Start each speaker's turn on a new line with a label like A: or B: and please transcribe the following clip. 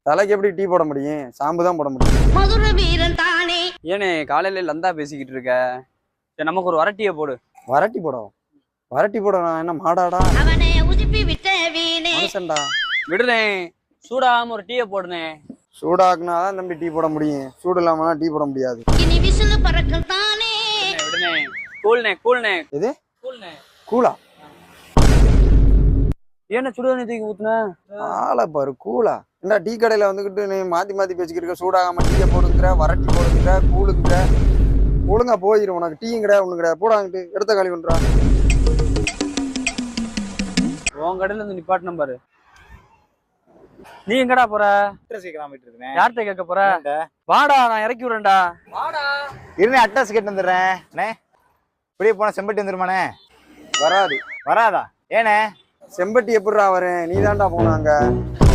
A: தலைக்கு எப்படி டீ போட முடியும்? ஷாம்பு தான் போட முடியும்.
B: மதுரை வீரன் தானே.
C: ஏனே காலையில லந்தா பேசிக்கிட்டு இருக்க? சரி நமக்கு ஒரு வரட்டியை போடு.
A: வரட்டி போடும். வரட்டி போட நான் என்ன மாடாடா?
B: அவனை உதிப்பி விட்ட வீணே.
A: மனுஷன்டா.
C: விடுனே, சூடாம ஒரு டீயை போடுனே.
A: சூடாக்குனாதான் தம்பி டீ போட முடியும். சூடு இல்லாமனா டீ போட முடியாது.
B: இனி விசிலு பறக்கும் தானே.
C: விடுனே, கூல்னே கூல்னே.
A: எது
C: கூல்னே
A: கூலா?
C: ஏன்னா சுடுதண்ணி தூக்கி ஊத்துன?
A: ஆளை பாரு கூலா. என்ன டீ கடையில வந்துகிட்டு நீ மாத்தி மாத்தி பேசிக்கிட்டு இருக்க. சூடாகாம டீயை போடுங்கிற, வரட்டி போடுங்கிற, கூழுங்கிற. ஒழுங்கா போயிடும். உனக்கு டீயும் கிடையாது ஒண்ணு கிடையாது. போடாங்கிட்டு எடுத்த காலி பண்றா.
C: உன் கடையில இருந்து நிப்பாட்டு நம்பரு. நீ எங்கடா போற? யார்கிட்ட கேட்க போற? வாடா, நான் இறக்கி விடுறேன்டா. வாடா
D: இருந்தே அட்ரஸ் கேட்டு வந்துடுறேன். இப்படியே போனா செம்பட்டி வந்துருமாண்ணே?
A: வராது.
D: வராதா? ஏண்ணே?
A: செம்பட்டி எப்படிடா வரேன்? நீ தான்டா போனாங்க.